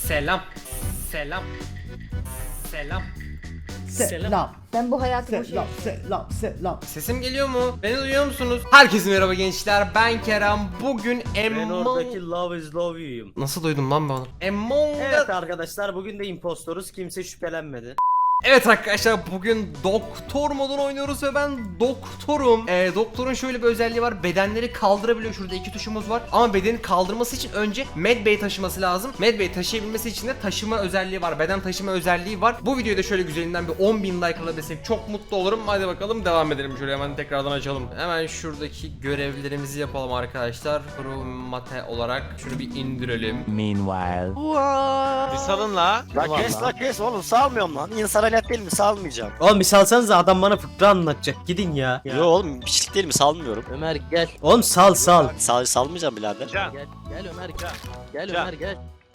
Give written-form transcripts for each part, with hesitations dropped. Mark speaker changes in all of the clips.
Speaker 1: Selam. Selam. Selam.
Speaker 2: Selam.
Speaker 3: Ben bu hayatı boşuna...
Speaker 2: Selam.
Speaker 1: Sesim geliyor mu? Beni duyuyor musunuz? Herkese merhaba gençler. Ben Kerem. Bugün
Speaker 4: Ben oradaki Love is Love you'yum.
Speaker 1: Nasıl duydum lan ben onu? Among
Speaker 4: Evet arkadaşlar, bugün de impostoruz, kimse şüphelenmedi.
Speaker 1: Evet arkadaşlar, bugün doktor modunu oynuyoruz ve ben doktorum. Doktorun şöyle bir özelliği var, bedenleri kaldırabiliyor. Şurada iki tuşumuz var ama bedeni kaldırması için önce medbay taşıması lazım. Medbay taşıyabilmesi için de taşıma özelliği var, beden taşıma özelliği var. Bu videoyu da şöyle güzelinden bir 10.000 like alabilsek çok mutlu olurum. Hadi bakalım devam edelim, şöyle hemen tekrardan açalım. Hemen şuradaki görevlerimizi yapalım arkadaşlar. Mate olarak şunu bir indirelim.
Speaker 5: Meanwhile.
Speaker 6: Bir salın la.
Speaker 7: La kes oğlum, salmıyorum lan. İnsan alet değil mi? Salmayacağım.
Speaker 4: Oğlum bir salsanıza, adam bana fıkra anlatacak, gidin ya.
Speaker 7: Yo oğlum, piçlik değil mi? Salmıyorum.
Speaker 5: Ömer gel.
Speaker 4: Oğlum sal.
Speaker 7: Salmayacağım birader.
Speaker 6: Can.
Speaker 5: Gel Ömer gel. Gel
Speaker 6: Can.
Speaker 5: Ömer gel.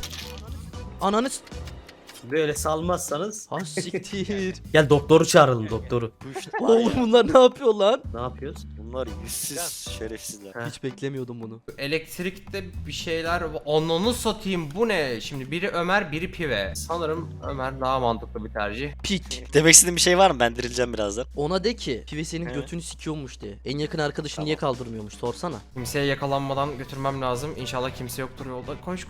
Speaker 5: Ananı
Speaker 4: Böyle salmazsanız.
Speaker 5: ha siktir.
Speaker 4: Gel doktoru çağıralım, doktoru.
Speaker 5: Oğlum bunlar ne yapıyor lan?
Speaker 4: Ne yapıyoruz?
Speaker 7: Bunlar yüzsüz şerefsizler.
Speaker 5: Hiç beklemiyordum bunu.
Speaker 1: Elektrikte bir şeyler, ananı satayım, bu ne? Şimdi biri Ömer, biri Pive. Sanırım Ömer daha mantıklı bir tercih.
Speaker 5: Piç.
Speaker 7: Demek istediğin bir şey var mı? Ben dirileceğim birazdan.
Speaker 5: Ona de ki Pive senin
Speaker 7: He.
Speaker 5: götünü sikiyormuş de. En yakın arkadaşını niye kaldırmıyormuş sorsana.
Speaker 1: Kimseye yakalanmadan götürmem lazım. İnşallah kimse yoktur yolda. Koş.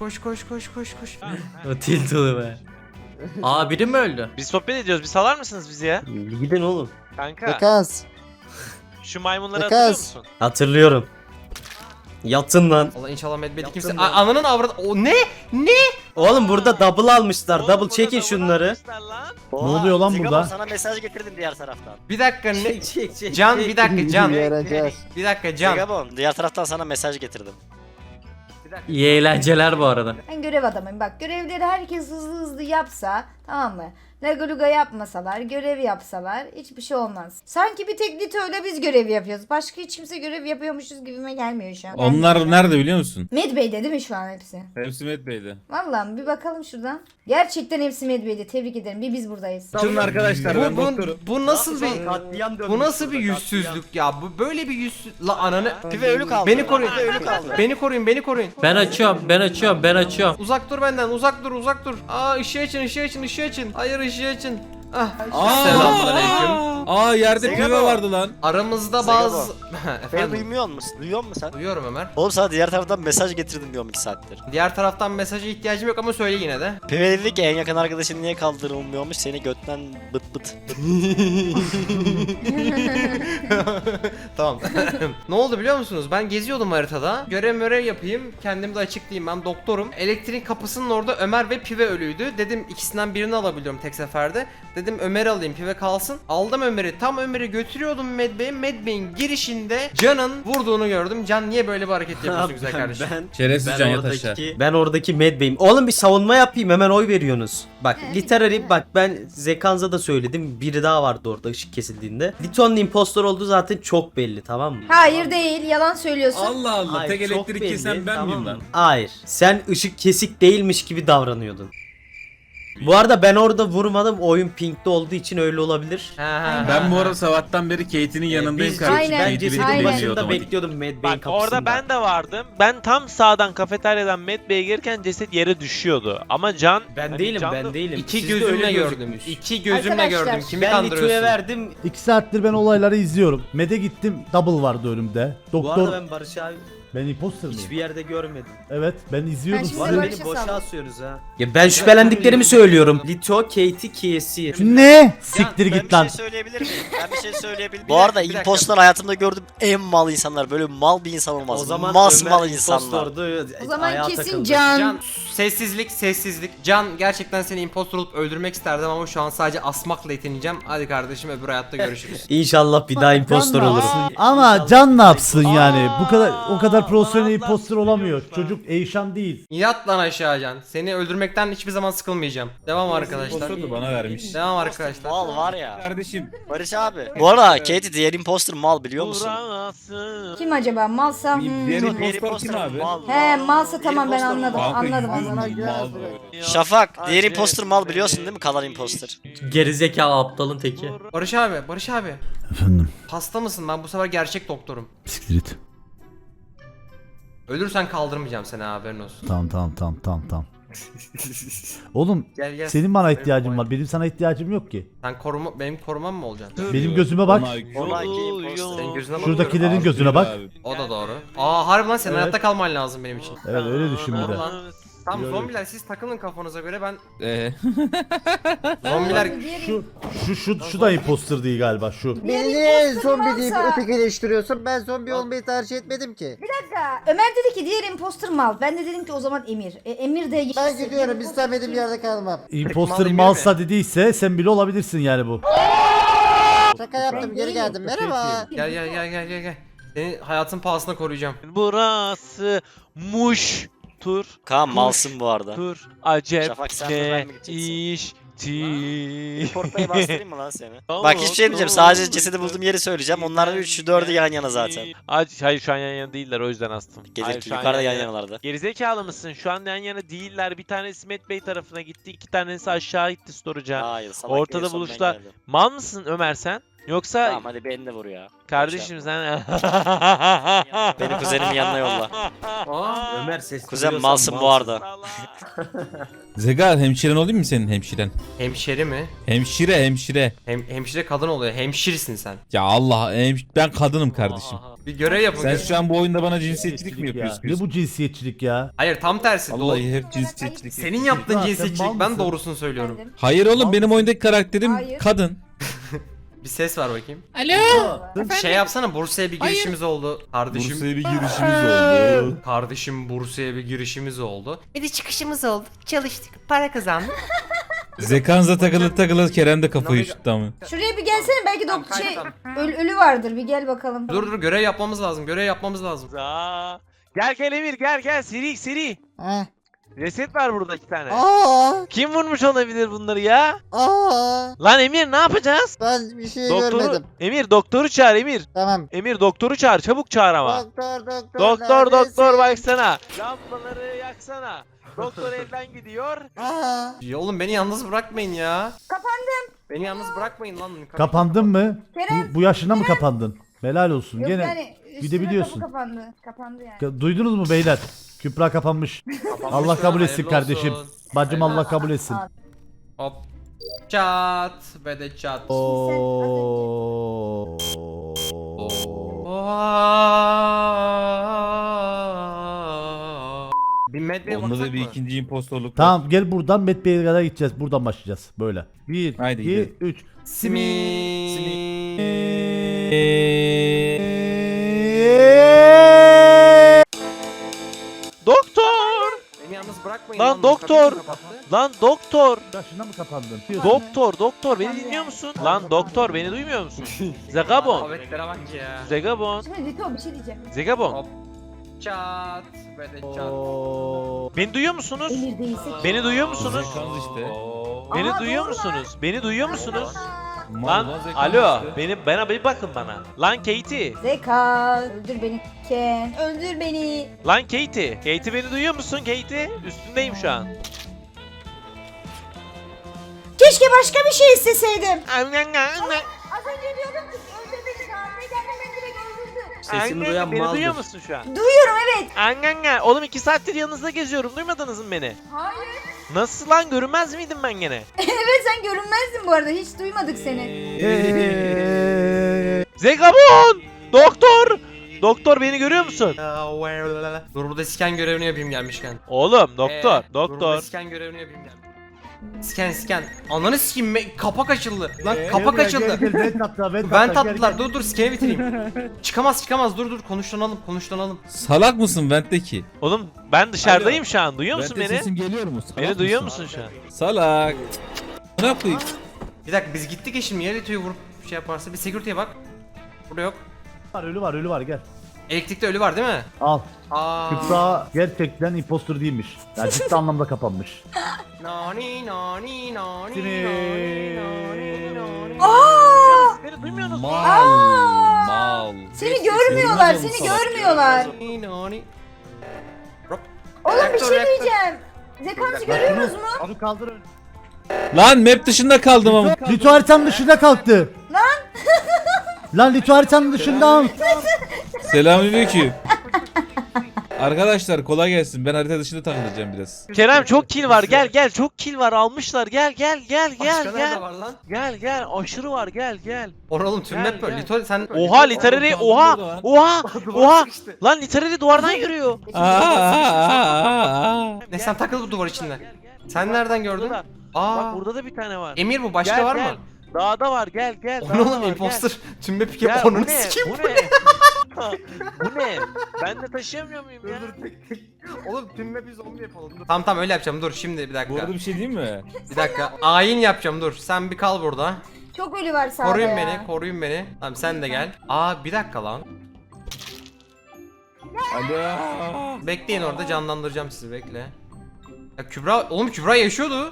Speaker 4: O tiltili be. Aa, biri mi öldü?
Speaker 6: Biz sohbet ediyoruz. Bir salar mısınız bizi ya?
Speaker 4: Gidin oğlum.
Speaker 6: Kanka.
Speaker 2: Takas.
Speaker 6: Şu maymunları
Speaker 2: Takas.
Speaker 6: hatırlıyor musun?
Speaker 4: Hatırlıyorum. Yatın lan.
Speaker 1: Allah, inşallah medbedi
Speaker 4: Yaptım
Speaker 1: kimse...
Speaker 4: ben.
Speaker 1: Ananın avradı... O ne?
Speaker 4: Oğlum burada double almışlar.
Speaker 6: Oğlum,
Speaker 4: Double
Speaker 6: burada
Speaker 4: çekin
Speaker 6: da
Speaker 4: şunları.
Speaker 6: uğraşmışlar lan.
Speaker 2: oluyor lan
Speaker 7: Zigabon,
Speaker 2: burada?
Speaker 7: sana mesaj getirdim diğer taraftan.
Speaker 1: Bir dakika ne?
Speaker 4: Çek.
Speaker 1: Can bir dakika Can.
Speaker 2: Yaracağız.
Speaker 1: Bir dakika Can.
Speaker 7: Zigabon, diğer taraftan sana mesaj getirdim.
Speaker 4: İyi eğlenceler bu arada.
Speaker 3: Ben görev adamıyım. Bak, görevleri herkes hızlı yapsa, tamam mı? Legaluga yapmasalar, görev yapsalar hiçbir şey olmaz. Sanki bir tek Lito'yla biz görev yapıyoruz. Başka hiç kimse görev yapıyormuşuz gibime gelmiyor şu an.
Speaker 8: Onlar nerede biliyor musun?
Speaker 3: Medbay'de değil mi şu an hepsi?
Speaker 8: Hepsi Met Bey'de.
Speaker 3: Vallahi bir bakalım şuradan. Gerçekten hepsi Medbay'de. Tebrik ederim. Bir biz buradayız.
Speaker 8: Bütün arkadaşlar ben doktorum.
Speaker 1: Bu nasıl bir...
Speaker 4: Katliam dönmüş
Speaker 1: Bu nasıl bir
Speaker 4: burada,
Speaker 1: yüzsüzlük ya? Bu böyle bir yüzsüz... La ananı...
Speaker 7: Pive ölü kaldı.
Speaker 1: Beni koruyun.
Speaker 7: Pive ölü kaldı.
Speaker 1: Beni koruyun.
Speaker 4: Ben açıyorum.
Speaker 1: Uzak dur benden, uzak dur. Aa, ışığı açın. Hayır, ışığı açın. Ah.
Speaker 8: Aa!
Speaker 1: Selamünaleyküm.
Speaker 8: Aa, yerde
Speaker 7: Zegabo.
Speaker 8: pive vardı lan.
Speaker 1: Aramızda
Speaker 7: Zegabo.
Speaker 1: bazı...
Speaker 7: Beni
Speaker 1: Efendim,
Speaker 7: duymuyor musun? Duyuyor musun sen?
Speaker 1: duyuyorum Ömer.
Speaker 7: Oğlum sana diğer taraftan mesaj getirdim diyorum 2 saattir.
Speaker 1: Diğer taraftan mesaja ihtiyacım yok ama söyle yine de.
Speaker 7: Pive dedi ki en yakın arkadaşın niye kaldırılmıyormuş, seni götten bıt.
Speaker 1: Tamam. Ne oldu biliyor musunuz? Ben geziyordum haritada. Görev yapayım. Kendimi de açıklayayım. Ben doktorum. Elektrik kapısının orada Ömer ve Pive ölüydü. Dedim ikisinden birini alabiliyorum tek seferde. Dedim Ömer'i alayım, Pive kalsın. Aldım Ömer'i. Tam Ömer'i götürüyordum Medbay'e. Medbay'in girişinde Can'ın vurduğunu gördüm. Can, niye böyle bir hareket yapıyorsun güzel kardeşim?
Speaker 8: Şerefsiz Can, yat aşağı.
Speaker 4: Ben oradaki medbay'im. Oğlum bir savunma yapayım, hemen oy veriyorsunuz. Bak literary, bak ben Zekanza da söyledim. Biri daha vardı orada ışık kesildiğinde. Lito'nun impostor olduğu zaten çok belli, tamam mı?
Speaker 3: Hayır değil. Yalan söylüyorsun.
Speaker 8: Allah Allah,
Speaker 4: Hayır,
Speaker 8: tek
Speaker 4: çok
Speaker 8: elektrik
Speaker 4: belli,
Speaker 8: kesen ben
Speaker 4: tamam
Speaker 8: miyim
Speaker 4: mı?
Speaker 8: lan?
Speaker 4: Hayır. Sen ışık kesik değilmiş gibi davranıyordun. Bu arada ben orada vurmadım. Oyun pinkte olduğu için öyle olabilir.
Speaker 8: Ben bu arada sabahtan beri Kate'in yanındayım
Speaker 4: Biz
Speaker 8: kardeşim.
Speaker 3: Aynen,
Speaker 4: ben
Speaker 8: Kate'i
Speaker 4: cesedin
Speaker 3: aynen.
Speaker 8: beklemiyor
Speaker 4: başında
Speaker 8: otomatik.
Speaker 4: bekliyordum medbay'in
Speaker 6: Bak
Speaker 4: kapısında.
Speaker 6: orada ben de vardım. Ben tam sağdan kafeteryadan Medbay'e gelirken ceset yere düşüyordu. Ama Can...
Speaker 4: Ben
Speaker 6: hani
Speaker 4: değilim,
Speaker 6: Can
Speaker 4: ben
Speaker 6: da-
Speaker 4: değilim.
Speaker 1: İki
Speaker 4: Sizde
Speaker 1: gözümle
Speaker 4: öyle
Speaker 1: gördüm.
Speaker 4: gözükmüş.
Speaker 1: İki gözümle
Speaker 3: Arkadaşlar,
Speaker 1: gördüm. Kimi
Speaker 4: Ben Lito'ya
Speaker 1: kandırıyorsun?
Speaker 4: verdim.
Speaker 2: 2 saattir ben olayları izliyorum. Med'e gittim. Double vardı önümde.
Speaker 4: Bu arada
Speaker 2: Doktor.
Speaker 4: ben Barış abi
Speaker 2: Ben imposter miyim?
Speaker 4: hiçbir yerde görmedim.
Speaker 2: Evet, ben izliyordum
Speaker 3: Ben şimdi
Speaker 4: Bu
Speaker 2: sizi.
Speaker 4: arada
Speaker 3: Barış'a
Speaker 4: beni boşa
Speaker 3: sal.
Speaker 4: asıyoruz ha. Ya ben şüphelendiklerimi söylüyorum. Lito, Katie, Kiyesi.
Speaker 2: Ne? Siktir
Speaker 7: Ben
Speaker 2: git lan.
Speaker 7: bir şey söyleyebilir miyim? Ben bir şey söyleyebilir miyim? Bu arada
Speaker 1: dakika.
Speaker 7: impostor hayatımda gördüğüm en mal insanlar. Böyle mal bir insan olmaz.
Speaker 4: O zaman
Speaker 7: Masmal
Speaker 4: Ömer
Speaker 7: insanlar.
Speaker 4: impostordu,
Speaker 3: O zaman
Speaker 4: ayağa
Speaker 3: kesin
Speaker 4: takıldı.
Speaker 3: Can.
Speaker 1: Can, sessizlik. Can, gerçekten seni impostor olup öldürmek isterdim ama şu an sadece asmakla yetineceğim. Hadi kardeşim, öbür hayatta görüşürüz.
Speaker 4: İnşallah bir daha impostor
Speaker 2: Can ne
Speaker 4: olur.
Speaker 2: yapsın? Ama Can ne yapsın yani? O kadar profesyonel imposter olamıyor. Çocuk Eyşan değil.
Speaker 1: Yat lan aşağı Can. Seni öldürmekten hiçbir zaman sıkılmayacağım. Devam arkadaşlar.
Speaker 8: Impostor'du, bana vermiş.
Speaker 1: Devam arkadaşlar.
Speaker 7: Mal var ya.
Speaker 8: Kardeşim,
Speaker 7: Barış abi. Bu arada Katie diğer imposter mal biliyor musun?
Speaker 6: Burası.
Speaker 3: Kim acaba? Malsa?
Speaker 8: diğer
Speaker 7: Diğer
Speaker 8: impostor kim abi?
Speaker 7: mal.
Speaker 3: He, malsa tamam, ben anladım.
Speaker 8: Kanka,
Speaker 3: Anladım.
Speaker 7: Şafak, diğer imposter mal biliyorsun değil mi? Kalan imposter.
Speaker 4: Gerizekalı aptalın teki.
Speaker 1: Barış abi.
Speaker 2: Efendim.
Speaker 1: Hasta mısın? Ben bu sefer gerçek doktorum.
Speaker 2: Siktir git.
Speaker 1: Ölürsen kaldırmayacağım seni, haberin olsun.
Speaker 2: Tamam. Oğlum
Speaker 1: Gel gel.
Speaker 2: senin bana
Speaker 1: Benim
Speaker 2: ihtiyacın
Speaker 1: korumam.
Speaker 2: var. Benim sana ihtiyacım yok ki.
Speaker 1: Sen benim korumam mı olacaksın?
Speaker 2: Benim gözüme bak.
Speaker 7: Ona iki imposter.
Speaker 1: Senin gözüne bakıyorum.
Speaker 2: Şuradakilerin gözüne bak.
Speaker 1: O da doğru. Aa harbi lan senin
Speaker 2: Evet.
Speaker 1: hayatta kalman lazım benim için.
Speaker 2: Evet öyle düşün bir de.
Speaker 1: Tamam. Tamam
Speaker 2: Yok.
Speaker 1: zombiler siz takılın kafanıza göre ben
Speaker 8: Ee,
Speaker 1: zombiler
Speaker 2: Şu da imposter değil galiba şu.
Speaker 3: Diğer
Speaker 9: Beni niye
Speaker 3: imposter
Speaker 9: zombi deyip
Speaker 3: varsa-
Speaker 9: ötekileştiriyorsun? Ben zombi olmayı tercih etmedim ki.
Speaker 3: Bir dakika. Ömer dedi ki diğer imposter mal. Ben de dedim ki o zaman Emir. Emir de...
Speaker 9: Ben gidiyorum, istemediğim yerde kalmam.
Speaker 2: Imposter
Speaker 1: Mal
Speaker 2: malsa dediyse sen bile olabilirsin yani bu.
Speaker 9: Şaka yaptım, geri geldim. Merhaba.
Speaker 1: gel gel gel gel gel gel. Seni hayatın pahasına koruyacağım.
Speaker 6: Burası muş. Tur.
Speaker 7: Kaan malsın bu arada.
Speaker 6: Tur. Acep.
Speaker 7: Şafak, sen de ben mi gideceksin?
Speaker 6: İşti.
Speaker 7: Portayı bastırayım mı lan seni? Bak hiçbir şey demeyeceğim. Sadece cesedi bulduğum yeri söyleyeceğim. Onların 3'ü 4'ü yan yana zaten.
Speaker 6: Hayır şu an yan yana değiller, o yüzden astım. Hayır,
Speaker 7: Gelir
Speaker 6: şu an
Speaker 7: yukarıda yan yanalarda.
Speaker 6: Gerizekalı mısın? Şu an yan yana değiller. Bir tanesi Met Bey tarafına gitti. 2 tanesi aşağı gitti storage'a.
Speaker 7: Hayır salak
Speaker 6: Ortada
Speaker 7: değil, son ben
Speaker 6: buluştular.
Speaker 7: geldim.
Speaker 6: Mal mısın Ömer sen? Yoksa
Speaker 7: Tamam hadi beni de vur ya.
Speaker 6: kardeşim sen...
Speaker 7: Beni kuzenimin yanına yolla.
Speaker 1: Aa,
Speaker 8: Ömer ses
Speaker 7: Kuzen malsın bu arada.
Speaker 8: Zegar hemşiren olayım mı senin hemşiren?
Speaker 1: hemşeri mi?
Speaker 8: Hemşire.
Speaker 1: Hemşire kadın oluyor. Hemşirisin sen.
Speaker 8: Ya Allah ben kadınım kardeşim.
Speaker 1: Bir görev yapın.
Speaker 8: Sen şu an bu oyunda bana cinsiyetçilik mi
Speaker 2: Ya.
Speaker 8: yapıyorsun?
Speaker 2: Ne bu cinsiyetçilik ya?
Speaker 1: Hayır tam tersi.
Speaker 8: Vallahi hep cinsiyetçilik.
Speaker 1: Senin yaptığın
Speaker 2: Ya, sen
Speaker 1: cinsiyetçilik
Speaker 2: mal
Speaker 1: ben
Speaker 2: mısın?
Speaker 1: doğrusunu söylüyorum.
Speaker 3: Efendim?
Speaker 8: Hayır oğlum benim oyundaki karakterim
Speaker 3: Hayır.
Speaker 8: kadın.
Speaker 1: Bir ses var bakayım.
Speaker 10: Alo.
Speaker 1: Şey yapsana Bursa'ya bir girişimiz oldu. Kardeşim.
Speaker 8: Bursa'ya bir girişimiz oldu.
Speaker 1: Kardeşim Bursa'ya bir girişimiz oldu. Bir de çıkışımız oldu. Çalıştık. Para kazandık.
Speaker 8: Zekanza takılı Kerem de kafayı şuttu ama.
Speaker 3: Şuraya bir gelsene belki
Speaker 1: Tamam,
Speaker 3: şey
Speaker 1: tamam.
Speaker 3: ölü vardır. Bir gel bakalım.
Speaker 1: Dur görev yapmamız lazım. Görev yapmamız lazım.
Speaker 6: Gel Emir gel seri.
Speaker 9: Heh.
Speaker 6: Reset var burada 2 tane.
Speaker 9: Aa,
Speaker 6: Kim vurmuş olabilir bunları ya?
Speaker 9: aa.
Speaker 6: Lan Emir ne yapacağız?
Speaker 9: Ben bir şey görmedim.
Speaker 6: Emir doktoru çağır Emir.
Speaker 9: Tamam.
Speaker 6: Emir doktoru çağır, çabuk çağır ama.
Speaker 9: Doktor
Speaker 6: Doktor baksana. Lambaları yaksana. Doktor elden gidiyor.
Speaker 9: Aa.
Speaker 1: Ya oğlum beni yalnız bırakmayın ya. Kapandım. Beni yalnız bırakmayın lan.
Speaker 2: Kapandın mı?
Speaker 3: Kerem.
Speaker 2: Bu yaşına mı kapandın? Helal olsun.
Speaker 3: Yok
Speaker 2: Gene
Speaker 3: yani üstüne
Speaker 2: gidebiliyorsun.
Speaker 3: kapı kapandı. Kapandı yani.
Speaker 2: Duydunuz mu beyler? Kübra kapanmış. Allah kabul etsin
Speaker 1: Hayırlı
Speaker 2: kardeşim.
Speaker 1: olsun.
Speaker 2: Bacım Allah kabul etsin.
Speaker 1: Hop. Çat ve de çat.
Speaker 2: Oo.
Speaker 1: Bir medbeye
Speaker 8: Onda
Speaker 1: baksak
Speaker 8: da bir
Speaker 1: mı?
Speaker 8: ikinci impostorluk var.
Speaker 2: Tamam gel buradan Met Bey'e kadar gideceğiz. Buradan başlayacağız. Böyle. 1,
Speaker 8: Haydi
Speaker 2: 2,
Speaker 8: gidelim.
Speaker 2: 3.
Speaker 6: Doktor!
Speaker 1: Beni yalnız bırakmayın
Speaker 6: Lan
Speaker 1: bu
Speaker 6: doktor!
Speaker 1: kapıyı kapattı.
Speaker 6: Lan doktor!
Speaker 2: Yaşına mı kapandın?
Speaker 6: Doktor beni dinliyor musun? Lan doktor beni duymuyor musun? Zegabon!
Speaker 1: Habetlere bak ya.
Speaker 6: Zegabon!
Speaker 3: Şimdi Lito bir şey diyeceğim.
Speaker 6: Zegabon!
Speaker 1: Hop. Çat ve de çat.
Speaker 6: Beni duyuyor musunuz?
Speaker 3: Emir değilse.
Speaker 6: Beni duyuyor musunuz?
Speaker 8: Zekans işte.
Speaker 6: Beni
Speaker 3: Aa,
Speaker 6: duyuyor
Speaker 3: doğru
Speaker 6: musunuz? Beni duyuyor musunuz?
Speaker 8: Mal
Speaker 6: Lan
Speaker 8: zekans
Speaker 6: alo
Speaker 8: işte.
Speaker 6: bana bir bakın bana. Lan Katie.
Speaker 3: Zeka. Öldür beni Ken. Öldür beni.
Speaker 6: Lan Katie. Katie beni duyuyor musun Katie? Üstündeyim şu an.
Speaker 3: Keşke başka bir şey isteseydim. Az önce diyordum ki öldür beni. Kahve gelmeden direkt öldürdü.
Speaker 6: Sesini duyan beni duyuyor musun şu an?
Speaker 3: Duyuyorum evet.
Speaker 6: Anganga. Oğlum 2 saattir yanınızda geziyorum. Duymadınız mı beni?
Speaker 3: Hayır.
Speaker 6: Nasıl lan görünmez miydim ben gene?
Speaker 3: Evet sen görünmezdin bu arada. Hiç duymadık seni.
Speaker 6: Zegabon! Doktor! Doktor beni görüyor musun?
Speaker 1: Dur burada scan görevini yapayım gelmişken.
Speaker 6: Oğlum doktor,
Speaker 1: Dur burada
Speaker 6: doktor.
Speaker 1: scan görevini yapayım gelmişken. Scan. Ananı sikeyim kapak açıldı. Lan kapak açıldı.
Speaker 2: Vent attılar.
Speaker 1: Vent attılar. Dur scan'i bitireyim. Çıkamaz. Dur konuşlanalım.
Speaker 8: Salak mısın Vent'teki?
Speaker 6: Oğlum ben dışarıdayım şu an. Duyuyor musun
Speaker 8: Vent'te
Speaker 6: beni?
Speaker 8: sesim geliyor mu? Salak
Speaker 6: Beni duyuyor
Speaker 8: mısın?
Speaker 6: musun şu an?
Speaker 8: Salak. Ne yapayım?
Speaker 1: Bir dakika biz gittik ya şimdi Yerlito'yu vurup şey yaparsa bir security'ye bak. Burada yok.
Speaker 2: Ölü var gel.
Speaker 1: Elektrikte ölü var değil mi?
Speaker 2: Al.
Speaker 1: Aa.
Speaker 2: Kübra gerçekten impostor değilmiş. Yani ciddi anlamda kapanmış.
Speaker 1: Nani.
Speaker 3: Aa!
Speaker 6: Beni duymuyorsunuz mu?
Speaker 8: Mal.
Speaker 3: Seni görmüyorlar. Seni görmüyorlar.
Speaker 1: Nani. Hop.
Speaker 3: Oğlum bir şey
Speaker 1: Reaktör.
Speaker 3: diyeceğim. Zekansı görüyorsunuz mu?
Speaker 2: Abi kaldır önü.
Speaker 8: Lan map dışında kaldım ama.
Speaker 2: Lito haritanın dışında kalktı. Lan Lito haritanın dışında.
Speaker 8: Selamünaleyküm. Arkadaşlar kolay gelsin. Ben harita dışında takılacağım biraz.
Speaker 6: Kerem çok kill var. Gel çok kill var. Almışlar. Gel.
Speaker 1: Başka nerede var lan?
Speaker 6: Gel. Aşırı var. Gel.
Speaker 1: Oğlum tüm
Speaker 6: Gel,
Speaker 1: map böyle.
Speaker 6: gel.
Speaker 1: Lito sen...
Speaker 6: Oha literary. Oha. Lan literary duvardan yürüyor.
Speaker 1: Ne sen takıl bu duvar içinde. Sen nereden gördün?
Speaker 6: Bak
Speaker 1: Aa.
Speaker 6: burada da bir tane var.
Speaker 1: Emir bu başka
Speaker 6: Gel,
Speaker 1: var
Speaker 6: gel.
Speaker 1: mı?
Speaker 6: Dağda var. Gel.
Speaker 1: Onu
Speaker 6: dağda
Speaker 1: oğlum
Speaker 6: var,
Speaker 1: imposter. Tüm map
Speaker 6: Gel.
Speaker 1: yap
Speaker 6: Bu
Speaker 1: onun
Speaker 6: ne?
Speaker 1: sikeyim.
Speaker 6: Bu ne? Bu ne? Ben de taşıyamıyor muyum ya?
Speaker 1: Oğlum tüm map'i zombi yapalım. Tamam öyle yapacağım. Dur şimdi bir
Speaker 8: Bu
Speaker 1: dakika.
Speaker 8: arada bir şey diyeyim mi?
Speaker 1: Bir dakika. Ayin yapacağım dur. Sen bir kal burada.
Speaker 3: Çok ölü var sağda
Speaker 1: Koruyun beni. Tamam sen de gel. Aa bir dakika lan.
Speaker 8: Alo.
Speaker 1: Bekleyin orada canlandıracağım sizi bekle. Ya Kübra yaşıyordu.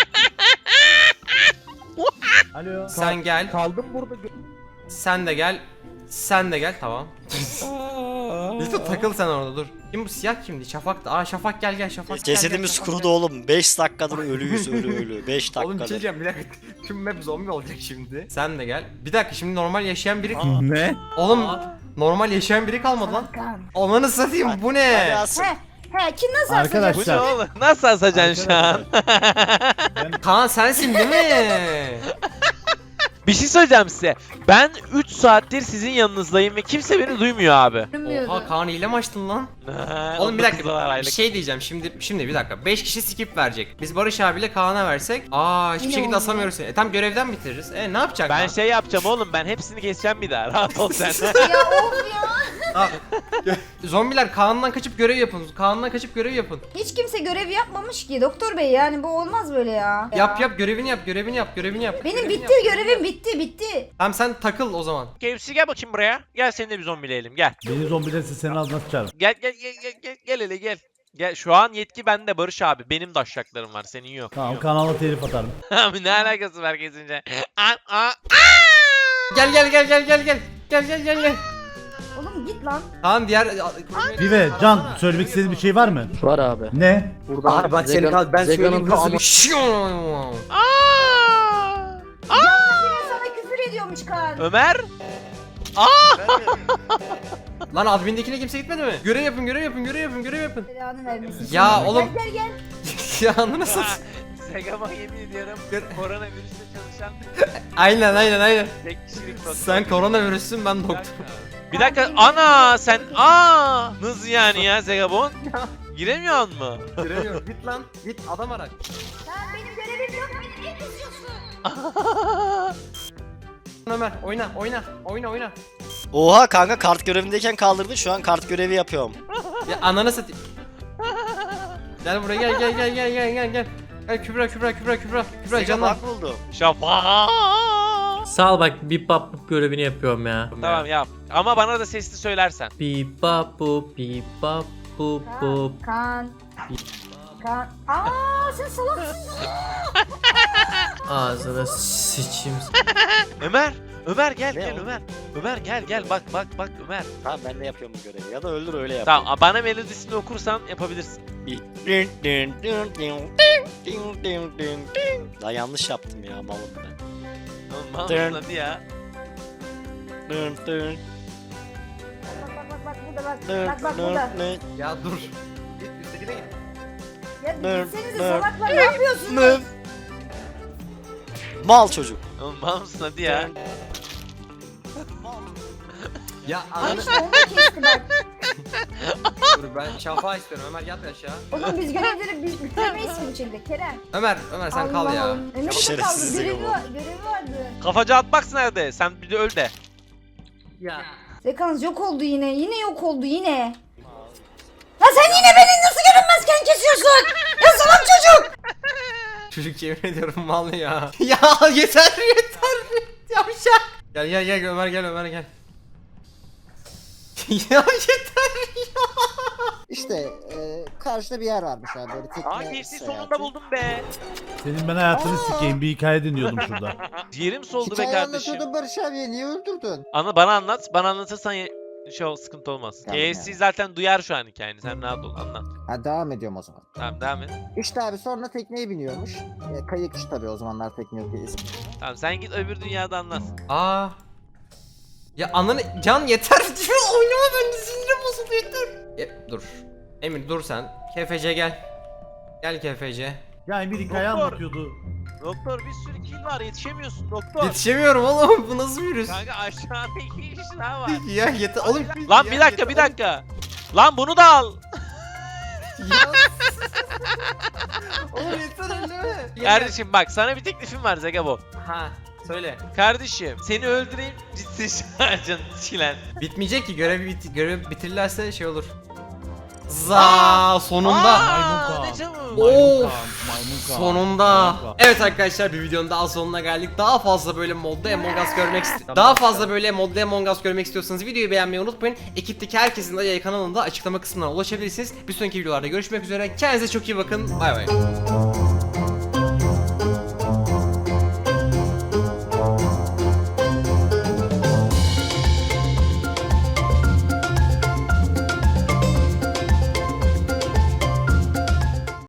Speaker 2: Alo.
Speaker 1: Sen gel.
Speaker 8: Kaldım burada.
Speaker 1: Sen de gel. Sen de gel tamam. Lütfen takıl sen orada dur. Kim bu siyah kimdi? Şafak da. Aa Şafak gel Şafak.
Speaker 7: Cesedimiz
Speaker 1: Şafak,
Speaker 7: kurudu oğlum. 5 dakikadır ölüyüz ölü. 5
Speaker 1: Oğlum bir şey
Speaker 7: dakikadır.
Speaker 1: diyeceğim bir dakika. Tüm map zombi olacak şimdi. Sen de gel. Bir dakika şimdi normal yaşayan biri...
Speaker 8: Ne?
Speaker 1: Oğlum normal yaşayan biri kalmadı lan.
Speaker 3: Kan.
Speaker 1: Ananı satayım bu
Speaker 7: Hadi
Speaker 1: ne?
Speaker 7: asın.
Speaker 3: He kim nasıl
Speaker 2: Arkadaşlar.
Speaker 6: Bu
Speaker 3: asacak?
Speaker 6: ne oğlum? Nasıl asacaksın şu an?
Speaker 1: Kaan sensin değil mi?
Speaker 6: Bir şey söyleyeceğim size. Ben 3 saattir sizin yanınızdayım ve kimse beni duymuyor abi.
Speaker 3: Görünmüyordu.
Speaker 1: Oha Kaan hile mi açtın lan? Oğlum bir dakika bir
Speaker 6: aylık.
Speaker 1: şey diyeceğim şimdi bir dakika 5 kişi skip verecek. Biz Barış abiyle Kaan'a versek hiçbir
Speaker 3: Yine
Speaker 1: şekilde
Speaker 3: olmuyor.
Speaker 1: asamıyoruz seni. Tam görevden bitiririz. Ne yapacak
Speaker 6: Ben
Speaker 1: lan?
Speaker 6: şey yapacağım oğlum, ben hepsini keseceğim bir daha. Rahat ol sen.
Speaker 3: Ya of ya.
Speaker 1: Zombiler Kaan'dan kaçıp görev yapın. Kaan'dan kaçıp görev yapın.
Speaker 3: Hiç kimse görev yapmamış ki doktor bey, yani bu olmaz böyle ya.
Speaker 1: Yap görevini yap.
Speaker 3: Benim
Speaker 1: Görevini
Speaker 3: bitti,
Speaker 1: yap.
Speaker 3: görevim bitti.
Speaker 1: Tamam sen takıl o zaman.
Speaker 6: KFC gel bakayım buraya. Gel seni de bir zombileyelim gel.
Speaker 2: Beni zombilerse senin ağzına sıçarım.
Speaker 6: Gel hele gel. Gel şu an yetki bende Barış abi. Benim de aşağılarım var, senin yok.
Speaker 2: Tamam kanala telif atarım.
Speaker 6: Abi ne alakası var kesince?
Speaker 1: Gel.
Speaker 3: Oğlum git lan.
Speaker 1: Tamam diğer...
Speaker 2: Pive, Can söylemek istediğin bir şey var mı?
Speaker 5: Var abi.
Speaker 2: Ne?
Speaker 5: Burada
Speaker 4: Abi bak seni kal, ben söyleyeyim hızlı bir
Speaker 3: Yine sana küfür ediyormuş Kaan.
Speaker 6: Ömer?
Speaker 1: Lan admindekine kimse gitmedi mi? Görev yapın.
Speaker 3: Belanı vermesin.
Speaker 1: Ya
Speaker 3: şimdi.
Speaker 1: oğlum.
Speaker 3: Gel.
Speaker 1: Ya ananı satayım.
Speaker 6: Segama yemin ediyorum koronavirüste çalışan
Speaker 1: Aynen.
Speaker 6: tek kişilik doktor.
Speaker 1: Sen koronavirüsün ben doktor.
Speaker 6: Bir dakika ana sen nasıl yani ya Zegabon? Giremiyor mu?
Speaker 1: Giremiyorum. Git lan. Git adam ara.
Speaker 3: Lan benim görevim yok, beni niye kızıyorsun?
Speaker 1: Ömer oyna.
Speaker 7: Oha kanka kart görevindeyken kaldırdı. Şu an kart görevi yapıyorum.
Speaker 1: Ya ananı satayım. Gel buraya gel. Gel Kübra
Speaker 7: Sega
Speaker 1: canlan.
Speaker 7: bak buldu.
Speaker 6: Şafak.
Speaker 10: Sağ ol, bak bip bap görevini yapıyorum ya.
Speaker 6: Tamam yap. Ama bana da sesli söylersen.
Speaker 10: Bip bap bu bip bap bu bu.
Speaker 3: Kaan. Sen salaksın.
Speaker 10: Ağzına sıçayım.
Speaker 6: Ömer gel
Speaker 7: Ne o?
Speaker 6: Ömer. Ömer gel bak Ömer.
Speaker 7: Tamam ben de yapıyorum bu görevi. Ya da öldür öyle yap.
Speaker 6: Tamam bana melodisini okursan yapabilirsin.
Speaker 7: Daha yanlış yaptım ya malım ben.
Speaker 6: Oğlum
Speaker 7: Dın.
Speaker 6: hadi ya.
Speaker 3: Bak burada.
Speaker 1: Ya dur. Git üsttekine git.
Speaker 3: Ya gitsenize salaklar, ne yapıyorsunuz?
Speaker 7: Mal çocuk.
Speaker 6: Oğlum mal mısın hadi ya.
Speaker 1: Ya
Speaker 3: Ay
Speaker 1: ananı...
Speaker 3: işte onu kesti bak.
Speaker 1: Dur ben şafağı istiyorum. Ömer yat aşağı.
Speaker 3: Oğlum biz görevleri bitiremeyiz ki bu şekilde Kerem.
Speaker 1: Ömer sen kal ya.
Speaker 3: Allah'ım. Ömer'e de kaldı,
Speaker 7: Şerefsiz
Speaker 3: görevi
Speaker 7: Zego.
Speaker 3: vardı.
Speaker 6: Kafacı atmak nerede? Sen bir de öl de.
Speaker 1: Ya.
Speaker 3: Zekanız yok oldu yine. Yine yok oldu yine. Ya sen yine beni nasıl görünmezken kesiyorsun? Ya salak çocuk.
Speaker 1: Çocuk yemin ediyorum mal ya. Ya yeter. Yavşak. Gel Ömer gel. Ya yeter ya.
Speaker 9: İşte karşıda bir yer varmış abi böyle tekne
Speaker 6: KFC
Speaker 9: seyahati.
Speaker 6: sonunda buldum be.
Speaker 2: Senin ben hayatını sikeyim, bir hikaye dinliyordum şurada.
Speaker 6: Ciğerim soldu be
Speaker 9: Hikaye
Speaker 6: kardeşim.
Speaker 9: anlatıyordun Barış abiye, niye öldürdün?
Speaker 6: Bana anlat. Bana anlatırsan sıkıntı olmaz.
Speaker 9: Tamam
Speaker 6: KFC
Speaker 9: yani.
Speaker 6: zaten duyar şu an hikayeni. Sen rahat ol, anlat.
Speaker 9: Ha devam ediyorum o zaman.
Speaker 6: Tamam devam et.
Speaker 9: İşte abi sonra tekneye biniyormuş. Kayıkçı tabii, o zamanlar tekne yok diye ismi.
Speaker 6: Tamam sen git öbür dünyada anlat.
Speaker 1: Aa. Ya ananı Can yeter. Oynama ben de sinirim bozuldu yeter. Dur. Emir dur sen. KFC gel. Gel KFC.
Speaker 2: Ya Emir hikaye
Speaker 6: Doktor.
Speaker 2: anlatıyordu.
Speaker 6: Doktor bir sürü kill var yetişemiyorsun doktor.
Speaker 1: Yetişemiyorum oğlum. Bu nasıl virüs?
Speaker 6: Kanka aşağıda 2 kişi daha var.
Speaker 1: Ya yeter oğlum.
Speaker 6: Lan
Speaker 1: ya
Speaker 6: bir dakika
Speaker 1: yeter
Speaker 6: bir dakika. Lan bunu da al.
Speaker 1: Ya. Oğlum yeter öyle mi?
Speaker 6: Kardeşim bak sana bir teklifim var Zegabo.
Speaker 1: Ha söyle.
Speaker 6: Kardeşim seni öldüreyim ciddi şarjın çilen.
Speaker 1: Bitmeyecek ki görev bitirirlerse şey olur. Za sonunda.
Speaker 6: Aa, ne çabuk.
Speaker 1: Of sonunda. Evet arkadaşlar bir videonun daha sonuna geldik. Daha fazla böyle modda Among Us görmek istiyorsanız videoyu beğenmeyi unutmayın. Ekipteki herkesin de yayın kanalında açıklama kısmına ulaşabilirsiniz. Bir sonraki videolarda görüşmek üzere. Kendinize çok iyi bakın. Bay bay.